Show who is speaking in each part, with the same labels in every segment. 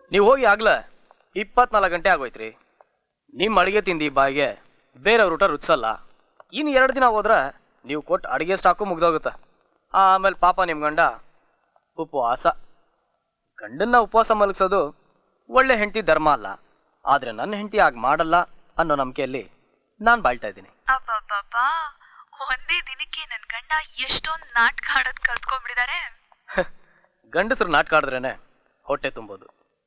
Speaker 1: ನೀವು ಹೋಗಿ ಆಗ್ಲೇ 24 ಗಂಟೆ ಆಗೋಯ್ತ್ರಿ. ನಿಮ್ಮ ಅಡುಗೆ ತಿಂದು ಈ ಬಾಯಿಗೆ ಬೇರೆಯವ್ರ ಊಟ ರುಚಿಸಲ್ಲ. ಇನ್ನು 2 ದಿನ ಹೋದ್ರೆ ನೀವು ಕೊಟ್ಟು ಅಡುಗೆ ಸ್ಟಾಕು ಮುಗ್ದೋಗುತ್ತೆ. ಆಮೇಲೆ ಪಾಪ ನಿಮ್ಮ ಗಂಡ ಉಪವಾಸ. ಗಂಡನ್ನ ಉಪವಾಸ ಮಲಗಿಸೋದು ಒಳ್ಳೆ ಹೆಂಡತಿ ಧರ್ಮ ಅಲ್ಲ. ಆದರೆ ನನ್ನ ಹೆಂಡತಿ ಆಗ ಮಾಡಲ್ಲ ಅನ್ನೋ ನಂಬಿಕೆಯಲ್ಲಿ ನಾನು ಬಾಳ್ತಾ ಇದ್ದೀನಿ.
Speaker 2: ಅಬ್ಬಬ್ಬಬ್ಬಾ, ಒಂದೇ ದಿನಕ್ಕೆ ನನ್ನ ಗಂಡ ಎಷ್ಟೊಂದು ನಾಟಕ ಆಡೋದು ಕಲ್ತ್ಕೊಂಡ್ಬಿಟ್ಟಿದ್ದಾರೆ.
Speaker 1: ಗಂಡಸರು ನಾಟಕ ಆಡಿದ್ರೇನೆ ಹೊಟ್ಟೆ ತುಂಬೋದು.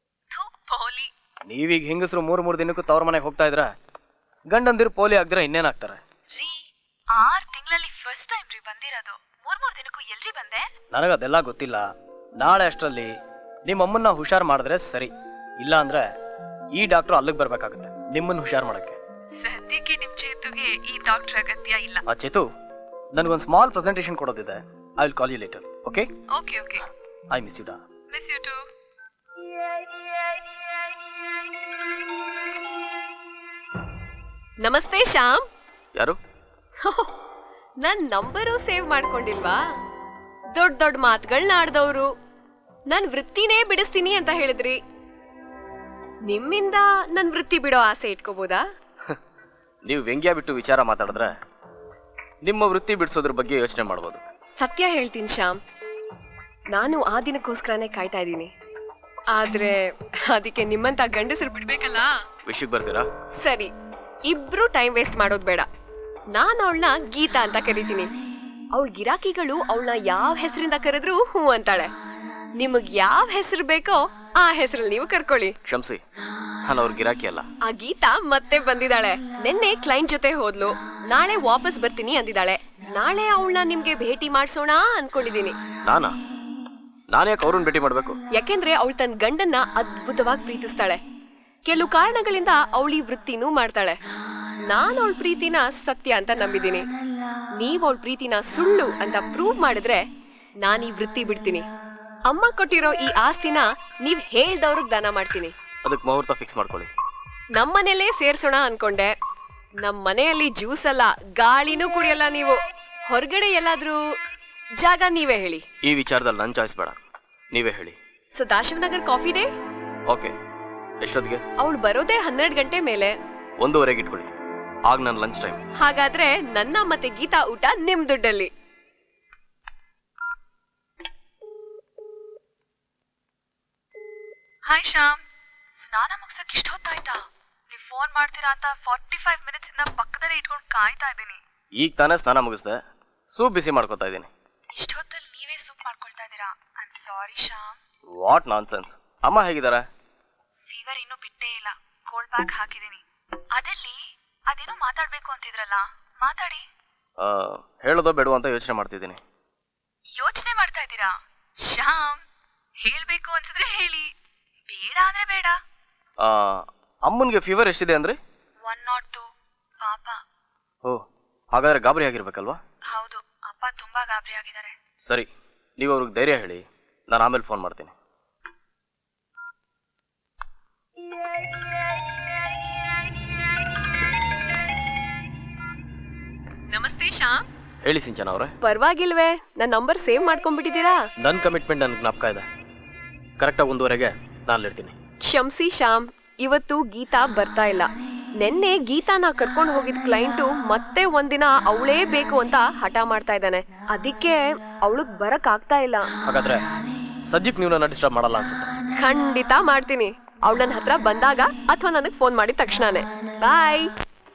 Speaker 1: ನೀವೀಗ ಹೆಂಗಸರು 3 ದಿನಕ್ಕೂ ತವ್ರ ಮನೆಗೆ ಹೋಗ್ತಾ ಇದ್ರ, ಗಂಡಂದಿರು ಪೋಲಿ ಆಗಿದ್ರೆ ಇನ್ನೇನಾಗ್ತಾರೆ?
Speaker 2: 6 ತಿಂಗಳಲ್ಲಿ ಫಸ್ಟ್ ಟೈಮ್ ರೀ ಬಂದಿರೋದು. 3 ದಿನಕ್ಕೂ ಎಲ್ರಿ ಬಂದೆ?
Speaker 1: ನನಗದೆಲ್ಲ ಗೊತ್ತಿಲ್ಲ. ನಾಳೆ ಅಷ್ಟರಲ್ಲಿ ನಿಮ್ಮಮ್ಮನ್ನ ಹುಷಾರ್ ಮಾಡಿದ್ರೆ ಸರಿ. ಇಲ್ಲ ಅಂದ್ರೆ ಈ ಡಾಕ್ಟರ್ ಅಲ್ಲಿಗೆ ಬರ್ಬೇಕಾಗುತ್ತೆ ನಿಮ್ಮನ್ನ ಹುಷಾರ್ ಮಾಡಕ್ಕೆ.
Speaker 2: ಸದ್ಯಕ್ಕೆ ನಿಮ್ ಚೇತುಗೆ ಈ ಡಾಕ್ಟರ್ ಅಗತ್ಯ ಇಲ್ಲ.
Speaker 1: ಚೇತು, ನನಗೊಂದು ಸ್ಮಾಲ್ ಪ್ರೆಸೆಂಟೇಷನ್ ಕೊಡೋದಿದೆ. I will call you later. Okay?
Speaker 2: Okay okay.
Speaker 1: I miss you ಡಾ.
Speaker 2: Miss you too.
Speaker 3: ನಮಸ್ತೆ ಶ್ಯಾಮ್.
Speaker 1: ಯಾರು?
Speaker 3: ನನ್ ನಂಬರು ಸೇವ್ ಮಾಡ್ಕೊಂಡಿಲ್ವಾ? ದೊಡ್ಡ ದೊಡ್ಡ ಮಾತುಗಳನ್ನ ಆಡ್ದವ್ರು. ನನ್ ವೃತ್ತಿನೇ ಬಿಡಿಸ್ತೀನಿ ಅಂತ ಹೇಳಿದ್ರಿ. ನಿಮ್ಮಿಂದ ನನ್ ವೃತ್ತಿ ಬಿಡೋ ಆಸೆ ಇಟ್ಕೋಬೋದಾ?
Speaker 1: ನೀವು ವ್ಯಂಗ್ಯ ಬಿಟ್ಟು ವಿಚಾರ ಮಾತಾಡಿದ್ರೆ ನಿಮ್ಮ ವೃತ್ತಿ ಬಿಡಿಸೋದ್ರ ಬಗ್ಗೆ ಯೋಚನೆ ಮಾಡ್ಬೋದು.
Speaker 3: ಸತ್ಯ ಹೇಳ್ತೀನಿ ಶ್ಯಾಮ್, ನಾನು ಆ ದಿನಕ್ಕೋಸ್ಕರನೇ ಕಾಯ್ತಾ ಇದ್ದೀನಿ. ಆದ್ರೆ ಅದಕ್ಕೆ ನಿಮ್ಮಂತ ಗಂಡಸರು ಬಿಡ್ಬೇಕಲ್ಲ.
Speaker 1: ವಿಷಯಕ್ಕೆ ಬರ್ತೀರಾ?
Speaker 3: ಸರಿ, ಇಬ್ರು ಟೈಮ್ ವೇಸ್ಟ್ ಮಾಡೋದು ಬೇಡ. ನಾನು ಅವಳನ್ನ ಗೀತಾ ಅಂತ ಕರಿತೀನಿ. ಅವಳ ಗಿರಾಕಿಗಳು ಅವಳನ್ನ ಯಾವ ಹೆಸರಿಂದ ಕರೆದ್ರು ಹೂ ಅಂತಾಳೆ. ನಿಮಗ್ ಯಾವ ಹೆಸರು ಬೇಕೋ ಆ ಹೆಸರಲ್ಲಿ ನೀವು ಕರ್ಕೊಳ್ಳಿ.
Speaker 1: ಕ್ಷಮಿಸಿ, ನಾನು ಅವ್ರ ಗಿರಾಕಿ ಅಲ್ಲ.
Speaker 3: ಆ ಗೀತಾ ಮತ್ತೆ ಬಂದಿದ್ದಾಳೆ. ನಿನ್ನೆ ಕ್ಲೈಂಟ್ ಜೊತೆ ಹೋದ್ಲು. ನಾಳೆ ವಾಪಸ್ ಬರ್ತೀನಿ ಅಂದಿದ್ದಾಳೆ. ನಾಳೆ ಅವಳನ್ನ ನಿಮ್ಗೆ ಭೇಟಿ ಮಾಡ್ಸೋಣ ಅನ್ಕೊಂಡಿದೀನಿ.
Speaker 1: ನಾನ್ಯಾಕೆ ಅವ್ರನ್ನ ಭೇಟಿ ಮಾಡ್ಬೇಕು?
Speaker 3: ಯಾಕೆಂದ್ರೆ ಅವಳು ತನ್ನ ಗಂಡನ್ನ ಅದ್ಭುತವಾಗಿ ಪ್ರೀತಿಸ್ತಾಳೆ. ಕೆಲವು ಕಾರಣಗಳಿಂದ ಅವಳು ಈ ವೃತ್ತಿನೂ ಮಾಡ್ತಾಳೆ. ನಾನು ಅವಳ ಪ್ರೀತಿನ ಸತ್ಯ ಅಂತ ನಂಬಿದ್ದೀನಿ. ನೀವ್ ಅವಳ ಪ್ರೀತಿನ ಸುಳ್ಳು ಅಂತ ಪ್ರೂವ್ ಮಾಡಿದ್ರೆ ನಾನು ಈ ವೃತ್ತಿ ಬಿಡ್ತೀನಿ. ಅಮ್ಮ ಕೊಟ್ಟಿರೋ ಈ ಆಸ್ತಿನ ನೀವ್ ಹೇಳ್ದವ್ರಿಗೆ ದಾನ ಮಾಡ್ತೀನಿ.
Speaker 1: ಅದಕ್ಕೆ ಮುಹೂರ್ತ ಫಿಕ್ಸ್ ಮಾಡ್ಕೊಳ್ಳಿ.
Speaker 3: ನಮ್ಮನೇಲೇ ಸೇರ್ಸೋಣ ಅನ್ಕೊಂಡೆ. ನಮ್ ಮನೆಯಲ್ಲಿ ಜ್ಯೂಸ್ ಅಲ್ಲ, ಗಾಳಿನೂ ಕುಡಿಯಲ್ಲ ನೀವು. ಹೊರಗಡೆ ಎಲ್ಲಾದ್ರೂ ಜಾಗ ನೀವೇ ಹೇಳಿ.
Speaker 1: ಈ ವಿಚಾರದಲ್ಲಿ ನನ್ನ ಚಾಯ್ಸ್ ಬೇಡ, ನೀವೇ ಹೇಳಿ.
Speaker 3: Sadashivanagar coffee day.
Speaker 1: ಓಕೆ. ಎಷ್ಟೊತ್ತಿಗೆ?
Speaker 3: ಅವಳು ಬರೋದೇ 12 ಗಂಟೆ ಮೇಲೆ.
Speaker 1: 1:30ಗೆ ಇಟ್ಕೊಳ್ಳಿ. ಆಗ ನನ್ನ ಲಂಚ್ ಟೈಮ್.
Speaker 3: ಹಾಗಾದ್ರೆ ನನ್ನ ಮತ್ತೆ ಗೀತಾ ಊಟ ನಿಮ್ ದುಡ್ಡಲ್ಲಿ.
Speaker 2: ಹಾಯ್ ಶ್ಯಾಮ್, ಸ್ನಾನ ಮುಗ್ಸಕ್ ಇಷ್ಟ ಹೊತ್ತಾಯ್ತಾ? ನೀವ್ ಫೋನ್ ಮಾಡ್ತೀರಾ ಅಂತ 45 ಮಿನಿಟ್ಸ್ ಇಂದ ಪಕ್ಕದಲ್ಲೇ ಇಟ್ಕೊಂಡು ಕಾಯ್ತಾ ಇದ್ದೀನಿ.
Speaker 1: ಈಗ ತಾನೇ ಸ್ನಾನ ಮುಗಿಸ್ದೆ, ಸೂಪ್ ಬಿಸಿ ಮಾಡ್ಕೊತಾ ಇದ್ದೀನಿ.
Speaker 2: ಇಷ್ಟೊತ್ತಲ್ಲಿ ನೀವೇ ಸೂಪ್ ಮಾಡ್ಕೊಳ್ತಾ ಇದ್ದೀರಾ? I am sorry Shyam.
Speaker 1: What nonsense. ಅಮ್ಮ ಹೇಗಿದ್ದಾರೆ?
Speaker 2: ಫೀವರ್ ಇನ್ನೂ ಬಿಟ್ಟೇ ಇಲ್ಲ. ಕೋಲ್ಡ್ ಪ್ಯಾಕ್ ಹಾಕಿದ್ದೀನಿ. ಅದೇನೋ ಮಾತಾಡ್ಬೇಕು ಅಂತಿದ್ರಲ್ಲ, ಮಾತಾಡಿ.
Speaker 1: ಹೇಳೋದೋ ಬೇಡವೋ ಅಂತ ಯೋಚನೆ ಮಾಡ್ತಿದ್ದೀನಿ.
Speaker 2: ಯೋಚನೆ ಮಾಡ್ತಾ ಇದ್ದೀರಾ? ಶ್ಯಾಮ್, ಹೇಳ್ಬೇಕು ಅನ್ಸಿದ್ರೆ ಹೇಳಿ, ಬೇಡ ಅಂದ್ರೆ ಬೇಡ.
Speaker 1: ಅಮ್ಮನ್ಗೆ ಫೀವರ್ ಎಷ್ಟಿದೆ ಅಂದ್ರೆ?
Speaker 2: 102. ಪಾಪ.
Speaker 1: ಓ, ಹಾಗಾದ್ರೆ ಗಾಬರಿ ಆಗಿರ್ಬೇಕಲ್ವಾ?
Speaker 2: ಹೌದು, ಅಪ್ಪ ತುಂಬಾ ಗಾಬರಿ ಆಗಿದ್ದಾರೆ.
Speaker 1: ಸರಿ, ನೀವು ಅವ್ರಿಗೆ ಧೈರ್ಯ ಹೇಳಿ, ನಾನು ಆಮೇಲೆ ಫೋನ್ ಮಾಡ್ತೀನಿ.
Speaker 3: ನಮಸ್ತೆ ಶ್ಯಾಮ್.
Speaker 1: ಹೇಳಿ ಸಿಂಚನ ಅವರೇ.
Speaker 3: ಪರವಾಗಿಲ್ವೇ, ನನ್ನ ನಂಬರ್ ಸೇವ್ ಮಾಡ್ಕೊಂಡ್ಬಿಟ್ಟಿದ್ದೀರಾ?
Speaker 1: ನನ್ನ ಕಮಿಟ್ಮೆಂಟ್ ನನಗೆ ಜ್ಞಾಪಕ ಇದೆ. ಕರೆಕ್ಟಾಗಿ 1:30ಗೆ ನಾನು ಇರ್ತೀನಿ.
Speaker 3: ಕ್ಷಮಿಸಿ ಶ್ಯಾಮ್, ಇವತ್ತು ಗೀತಾ ಬರ್ತಾ ಇಲ್ಲ. ನಿನ್ನೆ ಗೀತಾನ ಕರ್ಕೊಂಡು ಹೋಗಿದ್ ಕ್ಲೈಂಟು ಮತ್ತೆ ಒಂದಿನ ಅವಳೇ ಬೇಕು ಅಂತ ಹಠ ಮಾಡ್ತಾ ಇದ್ದಾನೆ. ಅದಕ್ಕೆ ಅವಳಗ್ ಬರಕ್ ಆಗ್ತಾ ಇಲ್ಲ.
Speaker 1: ಹಾಗಾದ್ರೆ ಸದ್ಯಕ್ಕೆ ನೀವು ನನ್ನ ಡಿಸ್ಟರ್ಬ್ ಮಾಡಲ್ಲ ಅನ್ಸುತ್ತೆ.
Speaker 3: ಖಂಡಿತ ಮಾಡ್ತೀನಿ. ಅವಳು ನನ್ನ ಹತ್ರ ಬಂದಾಗ ಅಥವಾ ನನಗೆ ಫೋನ್ ಮಾಡಿದ ತಕ್ಷಣನೇ. ಬಾಯ್.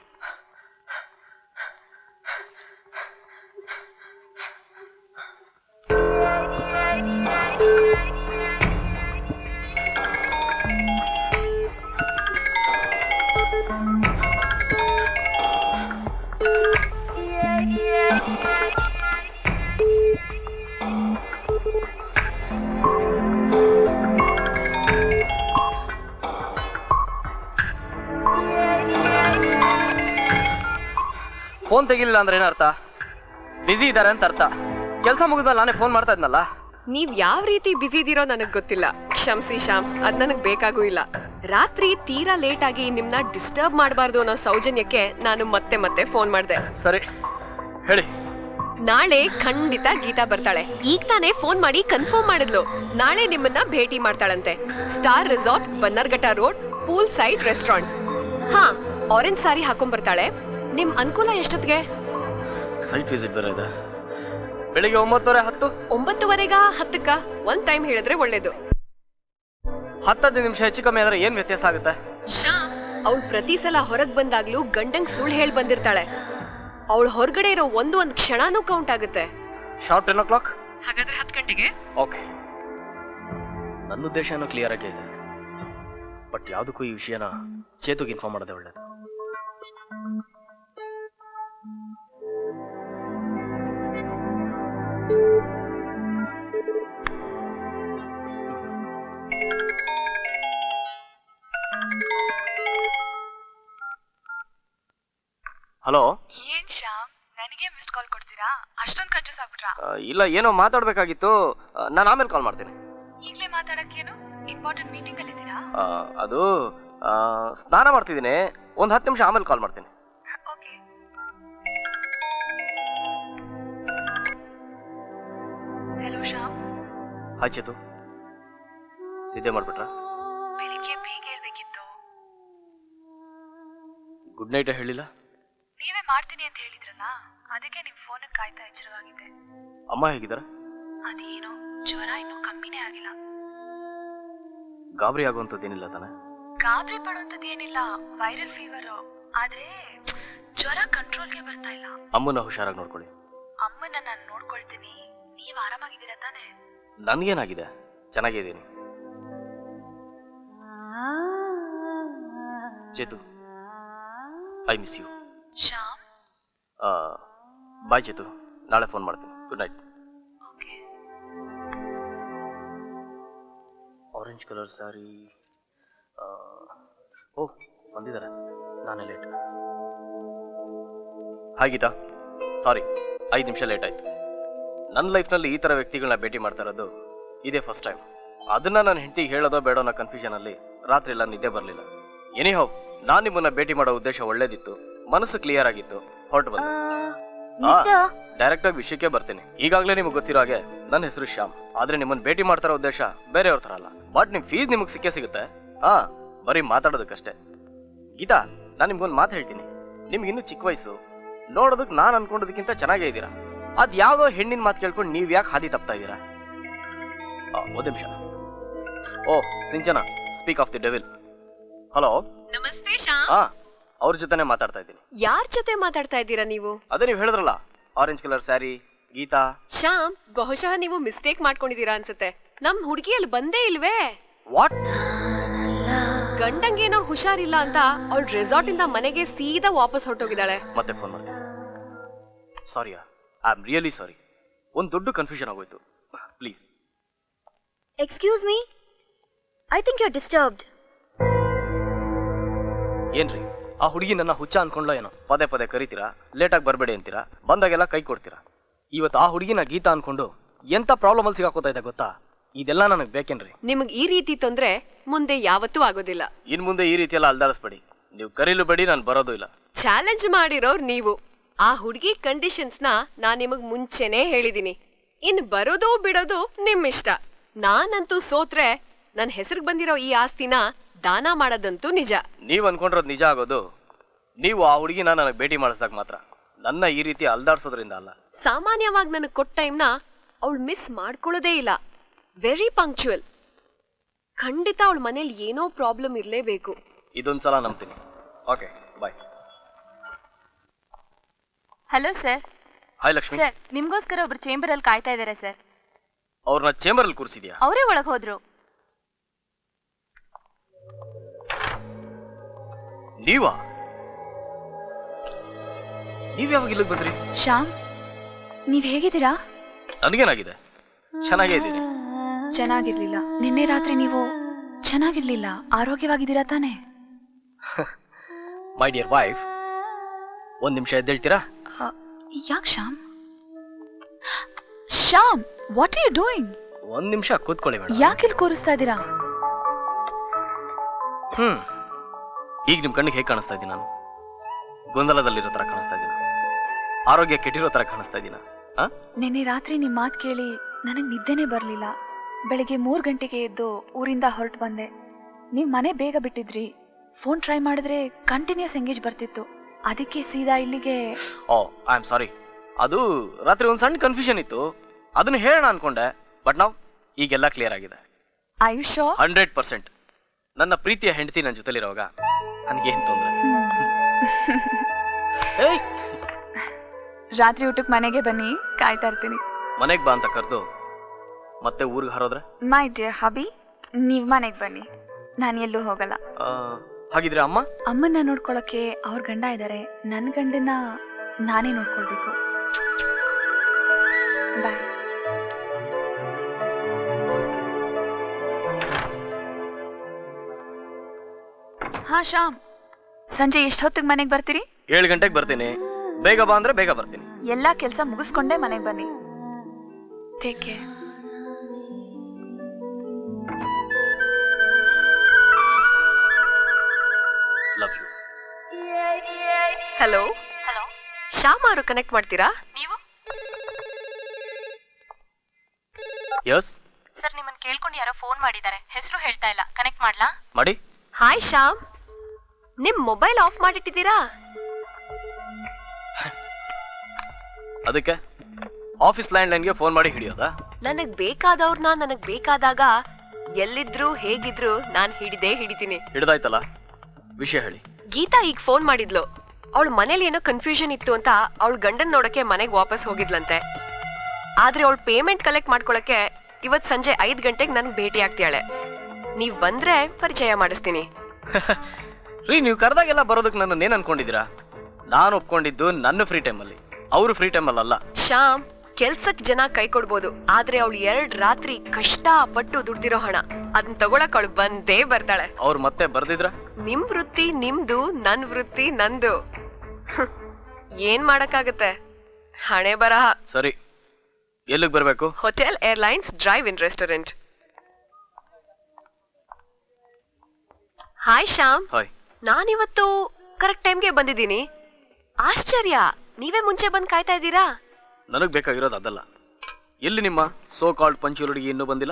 Speaker 1: ಫೋನ್ ತೆಗಿಲಿಲ್ಲ ಅಂದ್ರೆ ಏನರ್ಥ? ಬಿಸಿ ಇದ್ದಾರೆ ಅಂತ ಅರ್ಥ. ಕೆಲಸ ಮುಗಿದ್ಮೇಲೆ ನಾನೇ ಫೋನ್ ಮಾಡ್ತಾ ಇದ್ನಲ್ಲ.
Speaker 3: ನೀವ್ ಯಾವ ರೀತಿ ಬಿಸಿ ಇದೀರೋ ನನಗ್ ಗೊತ್ತಿಲ್ಲ. ಕ್ಷಮಿಸಿ ಶ್ಯಾಮ್, ಅದ್ ನನಗ್ ಬೇಕಾಗೂ ಇಲ್ಲ. ರಾತ್ರಿ ತೀರಾ ಲೇಟ್ ಆಗಿ ನಿಮ್ನ ಡಿಸ್ಟರ್ಬ್ ಮಾಡಬಾರ್ದು ಅನ್ನೋ ಸೌಜನ್ಯಕ್ಕೆ ನಾನು ಮತ್ತೆ ಮತ್ತೆ ಫೋನ್ ಮಾಡ್ದೆ.
Speaker 1: ಸರಿ ಹೇಳಿ,
Speaker 3: ನಾಳೆ ಖಂಡಿತ ಗೀತಾ ಬರ್ತಾಳೆ. ಈಗ ತಾನೇ ಫೋನ್ ಮಾಡಿ ಕನ್ಫರ್ಮ್ ಮಾಡಿದ್ಲು. ನಾಳೆ ನಿಮ್ಮನ್ನ ಭೇಟಿ ಮಾಡ್ತಾಳಂತೆ. Star resort, Bannerghatta road, pool side restaurant. ಹಾ, ಆರೆಂಜ್ ಸಾರಿ ಹಾಕೊಂಡ್ ಬರ್ತಾಳೆ. ನಿಮ್ ಅನುಕೂಲ ಎಷ್ಟೊತ್ತಿಗೆ?
Speaker 1: ಸೈಟ್ ವಿಸಿಟ್ ಬೇರೆ ಇದೆ. ಬೆಳಿಗ್ಗೆ 9:10.
Speaker 3: 9:30ಗ 10ಕ್ಕ? ಒಂದ್ ಟೈಮ್ ಹೇಳಿದ್ರೆ ಒಳ್ಳೇದು.
Speaker 1: 10 ನಿಮಿಷ ಹೆಚ್ಚು ಕಮ್ಮಿ ಆದ್ರೆ ಏನ್ ವ್ಯತ್ಯಾಸ ಆಗುತ್ತೆ?
Speaker 3: ಅವಳು ಪ್ರತಿ ಸಲ ಹೊರಗ್ ಬಂದಾಗ್ಲೂ ಗಂಡಂಗ್ ಸುಳ್ಳು ಹೇಳಿ ಬಂದಿರ್ತಾಳೆ. ಅವಳು ಹೊರಗಡೆ ಇರೋ ಒಂದು ಕ್ಷಣನೂ ಕೌಂಟ್ ಆಗುತ್ತೆ.
Speaker 1: Sharp 10 o'clock.
Speaker 3: ಹಾಗಾದ್ರೆ 10 ಗಂಟೆಗೆ.
Speaker 1: ಓಕೆ, ನನ್ನ ಉದ್ದೇಶನೂ ಕ್ಲಿಯರ್ ಆಗಿ ಇದೆ. ಬಟ್ ಯಾವುದಕ್ಕೂ ಈ ವಿಷಯನ ಚೇತುಗೆ ಇನ್ಫಾರ್ಮ್ ಮಾಡೋದೇ ಒಳ್ಳೇದು. ಹಲೋ.
Speaker 2: ಏನ್ ಶ್ಯಾಮ್, ನನಗೆ ಮಿಸ್ಡ್ ಕಾಲ್ ಕೊಡ್ತೀರಾ? ಅಷ್ಟೊಂದು ಕನ್ಫ್ಯೂಸ್ ಆಗ್ಬಿಟ್ರಾ?
Speaker 1: ಇಲ್ಲ, ಏನೋ ಮಾತಾಡ್ಬೇಕಾಗಿತ್ತು. ನಾನು ಆಮೇಲೆ ಕಾಲ್ ಮಾಡ್ತೀನಿ.
Speaker 2: ಈಗಲೇ ಮಾತಾಡಕ್ಕೇನು? ಇಂಪಾರ್ಟೆಂಟ್ ಮೀಟಿಂಗ್ ಅಲ್ಲಿ ಇದ್ದೀರಾ?
Speaker 1: ಅದು ಸ್ನಾನ ಮಾಡ್ತಿದ್ದೀನಿ. ಒಂದು 10 ನಿಮಿಷ ಆಮೇಲೆ ಕಾಲ್ ಮಾಡ್ತೀನಿ.
Speaker 2: Okay. Hello Shyam.
Speaker 1: Hi Chethu, ನಿದ್ದೆ ಮಾಡ್ಬಿಟ್ರಾ?
Speaker 2: ಬೆಳಿಗ್ಗೆ ಬೇಗ ಹೇಳ್ಬೇಕಿತ್ತು.
Speaker 1: ಗುಡ್ ನೈಟ್ ಹೇಳಿಲ್ಲ?
Speaker 2: ನೀವೇ ಮಾಡ್ತೀನಿ ಅಂತ ಹೇಳಿದ್ರಲ್ಲ, ಅದಕ್ಕೆ ನಿಮ್ ಫೋನ್ ಕಾಯ್ತಾ ಎಚ್ಚರವಾಗಿದ್ದೆ.
Speaker 1: ಅಮ್ಮ ಹೇಗಿದ್ದಾರೆ?
Speaker 2: ಅದೇನೋ ಜ್ವರ ಇನ್ನೂ ಕಮ್ಮಿನೇ ಆಗಿಲ್ಲ.
Speaker 1: ಗಾಬರಿ ಆಗುವಂಥದ್ದೇನಿಲ್ಲ ತಾನೆ?
Speaker 2: ಗಾಬರಿ ಪಡುವಂಥದ್ದು ಏನಿಲ್ಲ, ವೈರಲ್ ಫೀವರ್. ಆದ್ರೆ ಜ್ವರ ಕಂಟ್ರೋಲ್ಗೆ ಬರ್ತಾ ಇಲ್ಲ.
Speaker 1: ಅಮ್ಮನ ಹುಷಾರಾಗಿ ನೋಡ್ಕೊಳ್ಳಿ.
Speaker 2: ಅಮ್ಮನ ನಾನು ನೋಡ್ಕೊಳ್ತೀನಿ. ನೀವ್ ಆರಾಮಾಗಿದ್ದೀರಾ ತಾನೆ?
Speaker 1: ನನ್ಗೇನಾಗಿದೆ? ಚೆನ್ನಾಗಿದ್ದೀನಿ. Chethu, I miss you.
Speaker 2: Shyam.
Speaker 1: Bye Chethu, ನಾಳೆ ಫೋನ್ ಮಾಡ್ತೀನಿ. Good night.
Speaker 2: Okay.
Speaker 1: Orange colour sari. Oh, ಬಂದಿದ್ದಾರೆ. ನಾನೇ ಲೇಟ್. ಹಾಯ್ ಗೀತಾ, ಸಾರಿ 5 ನಿಮಿಷ ಲೇಟ್ ಆಯ್ತು. ನನ್ನ ಲೈಫ್ನಲ್ಲಿ ಈ ಥರ ವ್ಯಕ್ತಿಗಳನ್ನ ಭೇಟಿ ಮಾಡ್ತಾ ಇರೋದು ಇದೇ ಫಸ್ಟ್ ಟೈಮ್. ಅದನ್ನ ನನ್ನ ಹೆಂಡತಿಗೆ ಹೇಳೋದೋ ಬೇಡೋ ಅನ್ನೋ ಕನ್ಫ್ಯೂಷನಲ್ಲಿ ರಾತ್ರಿ ಎಲ್ಲ ನಿದ್ದೆ ಬರಲಿಲ್ಲ. ಎನಿಹೌ, ನಾನು ನಿಮ್ಮನ್ನ ಭೇಟಿ ಮಾಡೋ ಉದ್ದೇಶ ಒಳ್ಳೇದಿತ್ತು, ಮನಸ್ಸು ಕ್ಲಿಯರ್ ಆಗಿತ್ತು, ಹೊರಟು ಬಂದೆ. ಡೈರೆಕ್ಟ್ ಆಗಿ ವಿಷಯಕ್ಕೆ ಬರ್ತೀನಿ. ಈಗಾಗಲೇ ನಿಮ್ಗೆ ಗೊತ್ತಿರೋ ಹಾಗೆ ನನ್ನ ಹೆಸರು ಶ್ಯಾಮ್. ಆದ್ರೆ ನಿಮ್ಮನ್ನ ಭೇಟಿ ಮಾಡ್ತಾರೋ ಉದ್ದೇಶ ಬೇರೆಯವ್ರ ಥರ ಅಲ್ಲ. ಬಟ್ ನಿಮ್ ಫೀಸ್ ನಿಮಗೆ ಸಿಗುತ್ತೆ. ಬರೀ ಮಾತಾಡೋದಕ್ಕಷ್ಟೇ. ಗೀತಾ, ನಾನು ನಿಮ್ಗೊಂದು ಮಾತು ಹೇಳ್ತೀನಿ. ನಿಮ್ಗೆ ಇನ್ನೂ ಚಿಕ್ಕ ವಯಸ್ಸು, ನೋಡೋದಕ್ಕೆ ನಾನು ಅನ್ಕೊಂಡೋದಕ್ಕಿಂತ ಚೆನ್ನಾಗೇ ಇದ್ದೀರಾ. ಅದ್ ಯಾವ್ದೋ ಹೆಣ್ಣಿನ ಮಾತು ಕೇಳ್ಕೊಂಡು ನೀವ್ ಯಾಕೆ ಹಾದಿ ತಪ್ತಾ ಇದ್ದೀರಾ? ಒಂದು ನಿಮಿಷ. Oh Sinchana, speak of the devil. Hello.
Speaker 3: ನಮಸ್ತೆ ಶ್ಯಾಮ್.
Speaker 1: ಅವ್ರ ಜೊತೆನೆ ಮಾತಾಡ್ತಾ ಇದ್ದೀನಿ.
Speaker 3: ಯಾರ್ ಜೊತೆ ಮಾತಾಡ್ತಾ ಇದ್ದೀರಾ ನೀವು?
Speaker 1: ಅದೇ ನೀವು ಹೇಳಿದ್ರಲ್ಲ, ಆರೆಂಜ್ ಕಲರ್ ಸ್ಯಾರಿ ಗೀತಾ.
Speaker 3: ಶ್ಯಾಮ್, ಬಹುಶಃ ನೀವು ಮಿಸ್ಟೇಕ್ ಮಾಡ್ಕೊಂಡಿದ್ದೀರಾ ಅನ್ಸುತ್ತೆ. ನಮ್ ಹುಡುಗಿ ಅಲ್ಲಿ ಬಂದೇ ಇಲ್ವೇ?
Speaker 1: ವಾಟ್?
Speaker 3: ಗಂಡಂಗೇನೋ ಹುಷಾರಿಲ್ಲ ಅಂತ ಅವಳು ರೆಸಾರ್ಟ್ ಇಂದ ಮನೆಗೆ ಸೀದಾ ವಾಪಸ್ ಹೊರಟೋಗಿದ್ದಾಳೆ.
Speaker 1: ಮತ್ತೆ ಫೋನ್ ಮಾಡ್ತೀನಿ. Sorry, I am really sorry. ಒಂದು ದೊಡ್ಡ ಕನ್ಫ್ಯೂಷನ್ ಆಗೋಯ್ತು. Please.
Speaker 4: Excuse me? I think you're disturbed.
Speaker 1: ಏನ್ರಿ, ಆ ಹುಡುಗಿ ನನ್ನ ಹುಚ್ಚ ಅನ್ಕೊಂಡ್ಲೋ ಏನೋ? ಪದೇ ಪದೇ ಕರಿತೀರಾ, ಲೇಟಾಗಿ ಬರಬೇಡಿ ಅಂತೀರಾ, ಬಂದಾಗೆಲ್ಲ ಕೈ ಕೊಡ್ತೀರಾ. ಇವತ್ತು ಆ ಹುಡುಗಿನ ಗೀತಾ ಅನ್ಕೊಂಡು ಎಂತ ಪ್ರಾಬ್ಲಮ್ ಅಲ್ಲಿ ಸಿಗಾಕೋತಾ ಇದೆ ಗೊತ್ತಾ? ಇದೆಲ್ಲ ನನಗೆ ಬೇಕೇನ್ರಿ?
Speaker 3: ನಿಮಗ್ ಈ ರೀತಿ ತೊಂದ್ರೆ ಮುಂದೆ ಯಾವತ್ತೂ ಆಗೋದಿಲ್ಲ.
Speaker 1: ಇನ್ ಮುಂದೆ ಈ ರೀತಿ ಎಲ್ಲ ಅಲ್ದಾಡಿಸ್ಬೇಡಿ. ನೀವು ಕರೀಲು ಬೇಡಿ, ನಾನು ಬರೋದು ಇಲ್ಲ.
Speaker 3: ಚಾಲೆಂಜ್ ಮಾಡಿರೋರ್ ನೀವು. ಆ ಹುಡುಗಿ ಕಂಡೀಷನ್ಸ್ ನ ನಾನ್ ನಿಮಗ್ ಮುಂಚೆನೆ ಹೇಳಿದೀನಿ. ಇನ್ ಬರೋದು ಬಿಡೋದು ನಿಮ್ ಇಷ್ಟ. ನಾನಂತೂ ಸೋತ್ರೆ ನನ್ ಹೆಸರಿಗೆ ಬಂದಿರೋ ಈ ಆಸ್ತಿನ ದಾನ ಮಾಡೋದಂತೂ ನಿಜ.
Speaker 1: ನೀವ್ ಅನ್ಕೊಂಡಿರೋದು ನಿಜ ಆಗೋದು ನೀವು ಆ ಹುಡುಗಿನ ನನಗೆ ಭೇಟಿ ಮಾಡಿಸಿದಾಗ ಮಾತ್ರ. ನನ್ನ ಈ ರೀತಿ ಅಲ್ದಾಡ್ಸೋದ್ರಿಂದ ಅಲ್ಲ.
Speaker 3: ಸಾಮಾನ್ಯವಾಗಿ ನನಗೆ ಕೊಟ್ಟ ಟೈಮ್ನ ಅವಳು ಮಿಸ್ ಮಾಡ್ಕೊಳ್ಳೋದೇ ಇಲ್ಲ. Very punctual. ಖಂಡಿತ ಅವಳ ಮನೇಲಿ ಏನೋ ಪ್ರಾಬ್ಲಮ್ ಇರಲೇಬೇಕು.
Speaker 1: ಇದೊಂದ್ಸಲ ನಂಬ್ತೀನಿ. Okay, bye.
Speaker 5: Hello sir.
Speaker 1: Hi Lakshmi.
Speaker 5: Sir, ನಿಮ್ಗೋಸ್ಕರ ಒಬ್ರು ಚೇಂಬರ್ ಅಲ್ಲಿ ಕಾಯ್ತಾ ಇದ್ದಾರೆ ಸರ್.
Speaker 1: ಅವ್ರನ್ನ ಚೇಂಬರ್ ಅಲ್ಲಿ ಕೂರಿಸಿದ್ಯಾ?
Speaker 5: ಅವರೇ ಒಳಗೆ ಹೋದ್ರು.
Speaker 1: ನೀವಾ? ನೀವ್ ಯಾವಾಗ ಇಲ್ಲಿಗೆ ಬಂದ್ರಿ?
Speaker 5: ಶ್ಯಾಮ್, ನೀವ್ ಹೇಗಿದ್ದೀರಾ?
Speaker 1: ನನಗೇನಾಗಿದೆ? ಚೆನ್ನಾಗೇ ಇದ್ದೀನಿ.
Speaker 5: ಚೆನ್ನಾಗಿರ್ಲಿಲ್ಲ. ನಿನ್ನೆ ರಾತ್ರಿ ನೀವು ಚೆನ್ನಾಗಿರ್ಲಿಲ್ಲ. ಆರೋಗ್ಯವಾಗಿದ್ದೀರಾ ತಾನೇ?
Speaker 1: ಮೈ ಡಿಯರ್ ವೈಫ್, ಒಂದ್ ನಿಮಿಷ ಎದ್ದೇಳ್ತೀರಾ?
Speaker 5: ಯಾಕೆ Shyam? Shyam, what are you doing?
Speaker 1: ಒಂದ್ ನಿಮಿಷ ಕೂತ್ಕೊಳ್ಳಿ ಮೇಡಮ್.
Speaker 5: ಯಾಕೆ ಇಲ್ಲಿ ಕೂರಿಸ್ತಾ ಇದ್ದೀರಾ?
Speaker 1: ಈಗ ನಿಮ್ ಕಣ್ಣಿಗೆ ಹೇಗೆ ಕಾಣಿಸ್ತಾ ಇದ್ದೀನಿ ನಾನು? ಗೊಂದಲದಲ್ಲಿರೋ ತರ ಕಾಣಿಸ್ತಾ ಇದ್ದೀನ? ಆರೋಗ್ಯ ಕೆಟ್ಟಿರೋ ತರ ಕಾಣಿಸ್ತಾ ಇದ್ದೀನ?
Speaker 5: ನಿನ್ನೆ ರಾತ್ರಿ ನಿಮ್ಮ ಮಾತು ಕೇಳಿ ನನಗೆ ನಿದ್ದೆನೇ ಬರಲಿಲ್ಲ. ಬೆಳಿಗ್ಗೆ 3 ಗಂಟೆಗೆ ಎದ್ದು ಊರಿಂದ ಹೊರಟು ಬಂದೆ. ನೀವು ಮನೆ ಬೇಗ ಬಿಟ್ಟಿದ್ರಿ. ಫೋನ್ ಟ್ರೈ ಮಾಡಿದ್ರೆ ಕಂಟಿನ್ಯೂಸ್ ಎಂಗೇಜ್ ಬರ್ತಿತ್ತು. ಅದಕ್ಕೆ ಸೀದಾ ಇಲ್ಲಿಗೆ.
Speaker 1: Oh I am sorry. ಅದು ರಾತ್ರಿ ಒಂದು ಸಣ್ಣ ಕನ್ಫ್ಯೂಷನ್ ಇತ್ತು, ಅದನ್ನ ಹೇಳೋಣ ಅನ್ಕೊಂಡೆ. ಬಟ್ ನಾವು ಈಗೆಲ್ಲ ಕ್ಲಿಯರ್ ಆಗಿದೆ.
Speaker 5: I you sure?
Speaker 1: 100%. ನನ್ನ ಪ್ರೀತಿಯ ಹೆಂಡತಿ ನನ್ನ ಜೊತೆಲಿರುವಾಗ ನನಗೇನು ತೊಂದರೆ. ಏಯ್,
Speaker 5: ರಾತ್ರಿ ಊಟಕ್ಕೆ ಮನೆಗೆ ಬನ್ನಿ, ಕಾಯ್ತಾ ಇರ್ತೀನಿ.
Speaker 1: ಮನೆಗೆ ಬಾ ಅಂತ ಕರೆದು ಮತ್ತೆ ಊರಿಗೆ ಹರೋದ್ರೆ?
Speaker 5: ಮೈ ಡಿಯರ್ ಹಬಿ, ನೀವು ಮನೆಗೆ ಬನ್ನಿ, ನಾನು ಎಲ್ಲೂ ಹೋಗಲ್ಲ.
Speaker 1: ಹಾಗಿದ್ರೆ ಅಮ್ಮ?
Speaker 5: ಅಮ್ಮನ್ನ ನೋಡ್ಕೊಳಕ್ಕೆ ಅವ್ರ ಗಂಡ ಇದ್ದಾರೆ. ನನ್ನ ಗಂಡನ ನಾನೇ ನೋಡ್ಕೊಳ್ಬೇಕು. ಬಾಯ್. ಹಾ ಶ್ಯಾಮ್, ಸಂಜೆ ಎಷ್ಟು ಹೊತ್ತಿಗೆ ಮನೆಗೆ ಬರ್ತೀರಿ?
Speaker 1: 7 ಗಂಟೆಗೆ ಬರ್ತೀನಿ. ಬೇಗ ಬಾ ಅಂದ್ರೆ ಬೇಗ ಬರ್ತೀನಿ.
Speaker 5: ಎಲ್ಲಾ ಕೆಲಸ ಮುಗಿಸ್ಕೊಂಡೇ ಮನೆಗೆ ಬನ್ನಿ. Take care.
Speaker 1: Love you.
Speaker 3: Hello,
Speaker 2: hello,
Speaker 3: Shyam ಅವರು ಕನೆಕ್ಟ್ ಮಾಡ್ತೀರಾ?
Speaker 2: ನೀವು
Speaker 1: ಯಸ್
Speaker 2: ಸರ್, ನಿಮ್ಮನ್ನ ಕೇಳ್ಕೊಂಡು ಯಾರೋ ಫೋನ್ ಮಾಡಿದ್ದಾರೆ. ಹೆಸರು ಹೇಳ್ತಾ ಇಲ್ಲ. ಕನೆಕ್ಟ್ ಮಾಡ್ಲಾ?
Speaker 1: ಮಾಡಿ.
Speaker 3: ಹಾಯ್ ಶ್ಯಾಮ್, ನಿಮ್ ಮೊಬೈಲ್ ಆಫ್ ಮಾಡಿಟ್ಟಿದ್ದೀರಾ?
Speaker 1: ಅದಕ್ಕೆ ಆಫೀಸ್ ಲ್ಯಾಂಡ್ ಲೈನ್ಗೆ ಫೋನ್ ಮಾಡಿ ಹಿಡಿಯೋದಾ?
Speaker 3: ನನಗ್ ಬೇಕಾದವ್ರನ್ನ ನನಗ್ ಬೇಕಾದಾಗ ಎಲ್ಲಿದ್ರು ಹೇಗಿದ್ರು ನಾನ್ ಹಿಡಿತೀನಿ.
Speaker 1: ಹಿಡ್ದಾಯ್ತಲ್ಲ, ವಿಷಯ ಹೇಳಿ.
Speaker 3: ಗೀತಾ ಈಗ ಫೋನ್ ಮಾಡಿದ್ಲು. ಅವಳ ಮನೇಲಿ ಏನೋ ಕನ್ಫ್ಯೂಷನ್ ಇತ್ತು ಅಂತ ಅವಳ ಗಂಡನ್ ನೋಡಕ್ಕೆ ಮನೆಗ್ ವಾಪಸ್ ಹೋಗಿದ್ಲಂತೆ. ಆದ್ರೆ ಅವಳ ಪೇಮೆಂಟ್ ಕಲೆಕ್ಟ್ ಮಾಡ್ಕೊಳಕ್ಕೆ ಇವತ್ ಸಂಜೆ 5 ಗಂಟೆಗೆ ನನ್ಗೆ ಭೇಟಿ ಆಗ್ತಾಳೆ. ನೀವ್ ಬಂದ್ರೆ ಪರಿಚಯ ಮಾಡಿಸ್ತೀನಿ.
Speaker 1: ರೀ, ನೀವು ಕರೆದಾಗೆಲ್ಲ ಬರೋದಕ್ಕೆ ನನ್ನ ಏನ್ ಅನ್ಕೊಂಡಿದ್ದೀರಾ? ನಾನು ಒಪ್ಕೊಂಡಿದ್ದು ನನ್ನ ಫ್ರೀ ಟೈಮಲ್ಲಿ, ಅವರು ಫ್ರೀ ಟೈಮಲ್ಲಿ ಅಲ್ಲ.
Speaker 3: ಶ್ಯಾಮ್, ಕೆಲ್ಸಕ್ ಜನ ಕೈ ಕೊಡ್ಬೋದು, ಆದ್ರೆ ಅವಳು 2 ರಾತ್ರಿ ಕಷ್ಟ ಪಟ್ಟು ದುಡ್ದಿರೋ ಹಣ ಅದನ್ನ ತಗೊಳಕ್ ಅವಳು ಬಂದೇ ಬರ್ತಾಳೆ.
Speaker 1: ಅವ್ರು ಮತ್ತೆ ಬರ್ದಿದ್ರ?
Speaker 3: ನಿಮ್ ವೃತ್ತಿ ನಿಮ್ದು, ನನ್ ವೃತ್ತಿ ನಂದು. ಏನ್ ಮಾಡಕ್ಕಾಗತ್ತೆ, ಹಣೆ ಬರಹ.
Speaker 1: ಸರಿ, ಎಲ್ಲಿಗೆ ಬರ್ಬೇಕು?
Speaker 3: Hotel, airlines, drive in restaurant. Hi Shyam,
Speaker 1: hi.
Speaker 3: ನಾನಿವತ್ತು ಕರೆಕ್ಟ್ ಟೈಮ್ಗೆ ಬಂದಿದ್ದೀನಿ. ಆಶ್ಚರ್ಯ, ನೀವೇ ಮುಂಚೆ ಬಂದು ಕಾಯ್ತಾ ಇದ್ದೀರಾ?
Speaker 1: ನನಗ್ ಬೇಕಾಗಿರೋದು ಅದಲ್ಲ. ಎಲ್ಲಿ ನಿಮ್ಮ ಸೋ ಕಾಲ್ಡ್ ಪಂಚುರುಡಿಗೆ ಇನ್ನೂ ಬಂದಿಲ್ಲ?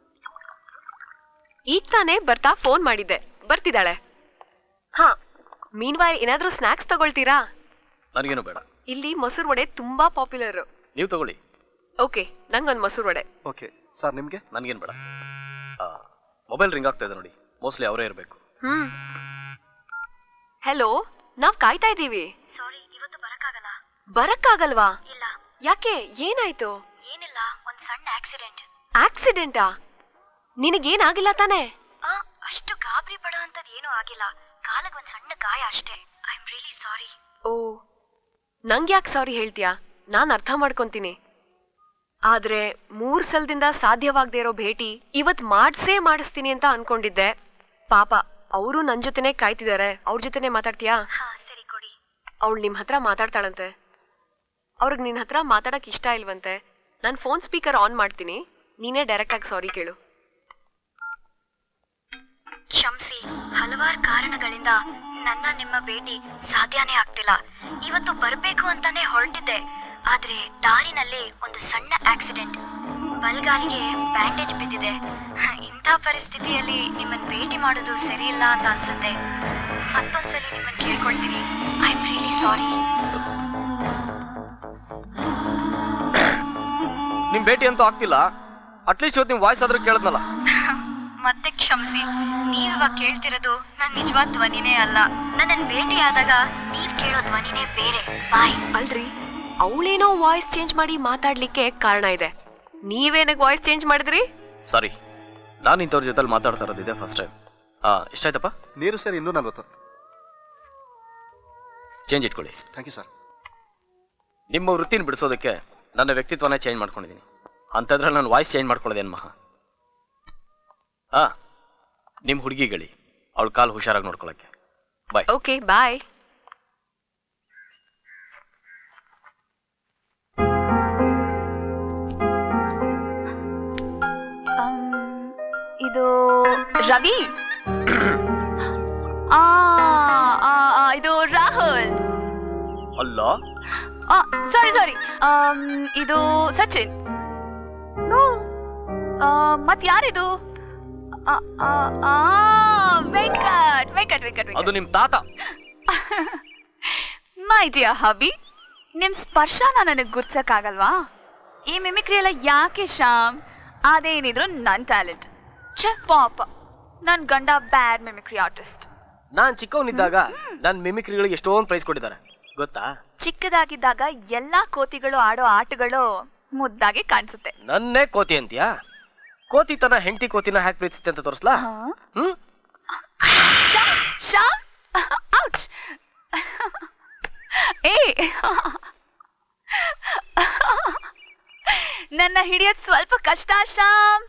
Speaker 3: ಈಗ ತಾನೇ ಬರ್ತಾ ಫೋನ್ ಮಾಡಿದ್ದೆ, ಬರ್ತಿದ್ದಾಳೆ. ಹಾ, ಮೀನ್ವಾಯ್ ಏನಾದ್ರೂ ಸ್ನಾಕ್ಸ್ ತಗೊಳ್ತೀರಾ?
Speaker 1: ನನಗೇನು ಬೇಡ.
Speaker 3: ಇಲ್ಲಿ ಮೊಸರು ವಡೆ ತುಂಬಾ ಪಾಪ್ಯುಲರ್.
Speaker 1: ನೀವು ತಗೊಳ್ಳಿ.
Speaker 3: ಓಕೆ, ನಂಗೊಂದು ಮೊಸರು ವಡೆ.
Speaker 1: ಓಕೆ ಸರ್, ನಿಮ್ಗೆ? ನನಗೇನು ಬೇಡ. ಮೊಬೈಲ್ ರಿಂಗ್ ಆಗ್ತಾ ಇದೆ ನೋಡಿ, ಮೋಸ್ಟ್ಲಿ ಅವರೇ ಇರಬೇಕು.
Speaker 3: ಹೆಲೋ, ನಾವ್ ಕಾಯ್ತಾ ಇದ್ದೀವಿ.
Speaker 4: ಸಾರಿ, ಇವತ್ತು ಬರಕ್ಕಾಗಲ್ಲ.
Speaker 3: ಬರಕ್ಕಾಗಲ್ವಾ?
Speaker 4: ಇಲ್ಲ.
Speaker 3: ಯಾಕೆ, ಏನಾಯ್ತು?
Speaker 4: ಏನಿಲ್ಲ, ಒಂದ್ ಸಣ್ಣ ಆಕ್ಸಿಡೆಂಟ್.
Speaker 3: ಆಕ್ಸಿಡೆಂಟಾ? ನಿನಗೇನಾಗಿಲ್ಲ ತಾನೇ?
Speaker 4: ಅಷ್ಟು ಗಾಬರಿ ಪಡೋ ಅಂತದ್ ಏನೂ ಆಗಿಲ್ಲ. ಕಾಲಕ್ಕೆ ಒಂದ್ ಸಣ್ಣ ಗಾಯ ಅಷ್ಟೇ. I am really sorry.
Speaker 3: Oh, ನಂಗೆ ಯಾಕೆ ಸಾರಿ ಹೇಳ್ತೀಯಾ? ನಾನ್ ಅರ್ಥ ಮಾಡ್ಕೊಂತೀನಿ. ಆದ್ರೆ 3 ಸಲದಿಂದ ಸಾಧ್ಯವಾಗದೇ ಇರೋ ಭೇಟಿ ಇವತ್ ಮಾಡಿಸ್ತೀನಿ ಅಂತ ಅನ್ಕೊಂಡಿದ್ದೆ. ಪಾಪ, ಅವರು ನನ್ ಜೊತೆನೆ ಕಾಯ್ತಿದ್ದಾರೆ. ಅವ್ರ ಜೊತೆನೆ ಮಾತಾಡ್ತೀಯಾ?
Speaker 4: ಹಾ ಸರಿ, ಕೊಡಿ.
Speaker 3: ಅವಳು ನಿಮ್ ಹತ್ರ ಮಾತಾಡ್ತಾಳಂತೆ. ಅವ್ರಿಗೆ ನಿನ್ ಹತ್ರ ಮಾತಾಡಕ್ ಇಷ್ಟ ಇಲ್ವಂತೆ. ನಾನು ಫೋನ್ ಸ್ಪೀಕರ್ ಆನ್ ಮಾಡ್ತೀನಿ, ನೀನೇ ಡೈರೆಕ್ಟ್ ಆಗಿ ಸಾರಿ ಕೇಳು.
Speaker 4: ಕ್ಷಮಿಸಿ, ಹಲವಾರು ಕಾರಣಗಳಿಂದ ನನ್ನ ನಿಮ್ಮ ಭೇಟಿ ಸಾಧ್ಯನೇ ಆಗ್ತಿಲ್ಲ. ಇವತ್ತು ಬರ್ಬೇಕು ಅಂತಾನೆ ಹೊರಟಿದ್ದೆ, ಆದ್ರೆ ದಾರಿನಲ್ಲಿ ಒಂದು ಸಣ್ಣ ಆಕ್ಸಿಡೆಂಟ್. ಬಲ್ಗಾಲಿಗೆ ಬ್ಯಾಂಡೇಜ್ ಬಿದ್ದಿದೆ. ಇಂಥ ಪರಿಸ್ಥಿತಿಯಲ್ಲಿ ನಿಮ್ಮನ್ನ ಭೇಟಿ ಮಾಡೋದು ಸರಿ ಇಲ್ಲ ಅಂತ ಅನ್ಸುತ್ತೆ. ಮತ್ತೊಂದ್ಸಲಿ ನಿಮ್ಮನ್ನ ಕೇಳ್ಕೊಳ್ತೀನಿ. I am really sorry.
Speaker 1: ನಿಮ್ ಭೇಟಿ ಅಂತೂ ಆಗ್ತಿಲ್ಲ. ಅಟ್ಲೀಸ್ಟ್ ಇವತ್ತು ನಿಮ್ ವಾಯ್ಸ್ ಆದ್ರೂ ಕೇಳದ್ನಲ್ಲ.
Speaker 4: ಮತ್ತೆ ಕ್ಷಮಿಸಿ, ನೀವಿವಾಗ ಕೇಳ್ತಿರೋದು ನನ್ನ ನಿಜವಾದ ಧ್ವನಿನೇ ಅಲ್ಲ. ನನ್ನನ್ನು ಭೇಟಿ ಆದಾಗ ನೀವ್ ಕೇಳೋ ಧ್ವನಿನೇ ಬೇರೆ. ಬಾಯ್.
Speaker 3: ಅಲ್ರಿ, ಅವಳೇನೋ ವಾಯ್ಸ್ ಚೇಂಜ್ ಮಾಡಿ ಮಾತಾಡ್ಲಿಕ್ಕೆ ಕಾರಣ ಇದೆ. ನೀವೇನಕ್ಕೆ ವಾಯ್ಸ್ ಚೇಂಜ್ ಮಾಡಿದ್ರಿ?
Speaker 1: ಸಾರಿ, ನಾನು ಇಂಥವ್ರ ಜೊತೆ ಮಾತಾಡ್ತಾ ಇರೋದಿದೆ ಫಸ್ಟ್ ಟೈಮ್. ಎಷ್ಟಾಯ್ತಪ್ಪ?
Speaker 6: ನೀರು ಸರ್ 240.
Speaker 1: ಚೇಂಜ್ ಇಟ್ಕೊಳ್ಳಿ.
Speaker 6: Thank you sir.
Speaker 1: ನಿಮ್ಮ ವೃತ್ತಿನ ಬಿಡಿಸೋದಕ್ಕೆ ನನ್ನ ವ್ಯಕ್ತಿತ್ವನೇ ಚೇಂಜ್ ಮಾಡ್ಕೊಂಡಿದ್ದೀನಿ. ಅಂಥದ್ರಲ್ಲಿ ನಾನು ವಾಯ್ಸ್ ಚೇಂಜ್ ಮಾಡ್ಕೊಳ್ಳೋದೇನು ಮಹಾ? ನಿಮ್ಮ ಹುಡುಗಿಗಳಿ, ಅವಳ ಕಾಲು ಹುಷಾರಾಗಿ ನೋಡ್ಕೊಳಕ್ಕೆ. ಬಾಯ್.
Speaker 3: ಓಕೆ, ಬಾಯ್.
Speaker 5: ಇದು ರವಿ. ಇದು ರಾಹುಲ್.
Speaker 1: ಅಲ್ಲ,
Speaker 5: ಸಾರಿ ಇದು ಸಚಿನ್. ಮತ್ ಯಾರಿದು? ವೆಂಕಟ್.
Speaker 1: ಅದು ನಿಮ್ ತಾತ.
Speaker 5: ಮೈ ಡಿಯರ್ ಹಬಿ, ನಿಮ್ ಸ್ಪರ್ಶನ ನನಗ್ ಗುರ್ಸಕ್ಕಾಗಲ್ವಾ? ಈ ಮಿಮಿಕ್ರಿ ಎಲ್ಲ ಯಾಕೆ ಶ್ಯಾಮ್? ಅದೇನಿದ್ರು ನನ್ ಟ್ಯಾಲೆಂಟ್. ಪಾಪ ನನ್ ಗಂಡ ಬ್ಯಾಡ್ ಮಿಮಿಕ್ರಿ ಆರ್ಟಿಸ್ಟ್.
Speaker 1: ನಾನ್ ಚಿಕ್ಕವನಿದ್ದಾಗ ನನ್ ಮಿಮಿಕ್ರಿಗಳಿಗೆ ಎಷ್ಟೊಂದು ಪ್ರೈಸ್ ಕೊಟ್ಟಿದ್ದಾರೆ ಗೊತ್ತಾ?
Speaker 5: ಚಿಕ್ಕದಾಗಿದ್ದಾಗ ಎಲ್ಲಾ ಕೋತಿಗಳು ಆಡೋ ಆಟಗಳು ಮುದ್ದಾಗಿ ಕಾಣಿಸುತ್ತೆ.
Speaker 1: ನನ್ನೇ ಕೋತಿ ಅಂತೀಯಾ? ಕೋತಿ ತನ್ನ ಹೆಂಡತಿ ಕೋತಿನ ಹ್ಯಾಕ್ ಪ್ರೀತಿಸುತ್ತೆ ಅಂತ ತೋರಿಸ್ಲಾ?
Speaker 5: ಶ್ಯಾಮ್ ಔಚ್. ಏ ನನ್ನ ಹಿಡಿಯೋದ್ ಸ್ವಲ್ಪ ಕಷ್ಟ ಶ್ಯಾಮ್.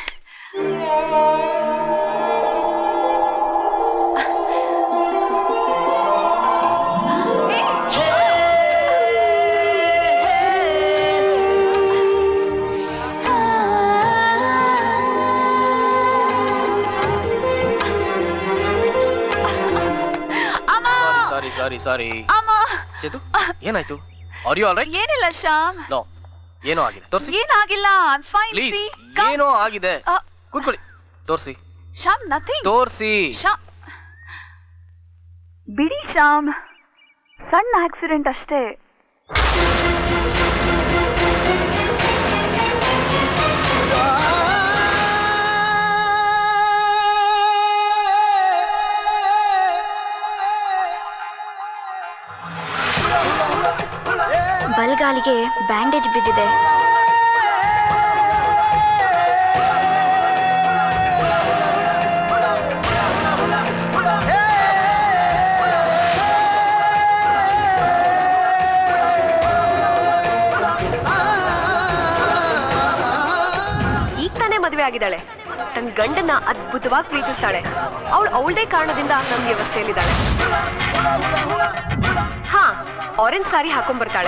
Speaker 1: ಸಾರಿ
Speaker 5: ಅಮ್ಮ,
Speaker 1: ಚೇತು, ಏನಾಯ್ತು? Are you all right?
Speaker 5: ಏನಿಲ್ಲ ಶ್ಯಾಮ್.
Speaker 1: ನೋ, ಏನೋ ಆಗಿದೆ. ತೋರಿಸಿ.
Speaker 5: ಏನಾಗಿಲ್ಲ, ಐ ಆಮ್ ಫೈನ್.
Speaker 1: ಪ್ಲೀಸ್, ಏನೋ ಆಗಿದೆ. ಕೂತ್ಕೊಳ್ಳಿ. ತೋರಿಸಿ.
Speaker 5: ಶ್ಯಾಮ್, ನಥಿಂಗ್.
Speaker 1: ತೋರಿಸಿ.
Speaker 5: ಶ್ಯಾಮ್, ಬಿಡಿ ಶ್ಯಾಮ್, ಸಣ್ಣ ಆಕ್ಸಿಡೆಂಟ್ ಅಷ್ಟೇ.
Speaker 4: ಬಲಗಾಲಿಗೆ ಬ್ಯಾಂಡೇಜ್ ಬಿದ್ದಿದೆ.
Speaker 3: ಈಗ ತಾನೇ ಮದುವೆ ಆಗಿದ್ದಾಳೆ. ತನ್ನ ಗಂಡನ ಅದ್ಭುತವಾಗಿ ಪ್ರೀತಿಸ್ತಾಳೆ. ಅವಳದೇ ಕಾರಣದಿಂದ ನಮ್ಮ ವ್ಯವಸ್ಥೆಯಲ್ಲಿದ್ದಾಳೆ. ಹಾ, ಆರೆಂಜ್ ಸಾರಿ ಹಾಕೊಂಡ್ಬರ್ತಾಳೆ.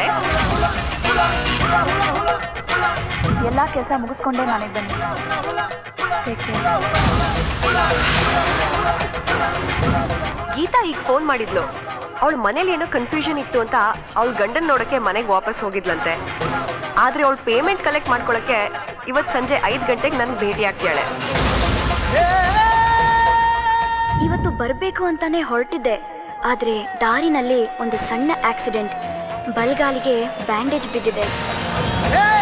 Speaker 5: ಎಲ್ಲ ಕೆಲಸ ಮುಗಿಸ್ಕೊಂಡೇ ಮನೆಗೆ ಬನ್ನಿ.
Speaker 3: ಗೀತಾ ಈಗ ಫೋನ್ ಮಾಡಿದ್ಲು. ಅವಳ ಮನೇಲಿ ಏನೋ ಕನ್ಫ್ಯೂಷನ್ ಇತ್ತು ಅಂತ ಅವಳ ಗಂಡನ್ ನೋಡಕ್ಕೆ ಮನೆಗೆ ವಾಪಸ್ ಹೋಗಿದ್ಲಂತೆ. ಆದ್ರೆ ಅವಳು ಪೇಮೆಂಟ್ ಕಲೆಕ್ಟ್ ಮಾಡ್ಕೊಳಕ್ಕೆ ಇವತ್ತು ಸಂಜೆ 5 ಗಂಟೆಗೆ ನನ್ಗೆ ಭೇಟಿ ಆಗ್ತಾಳೆ.
Speaker 4: ಇವತ್ತು ಬರಬೇಕು ಅಂತಾನೆ ಹೊರಟಿದ್ದೆ, ಆದ್ರೆ ದಾರಿನಲ್ಲಿ ಒಂದು ಸಣ್ಣ ಆಕ್ಸಿಡೆಂಟ್. ಬಲಗಾಲಿಗೆ ಬ್ಯಾಂಡೇಜ್ ಬಿದ್ದಿದೆ.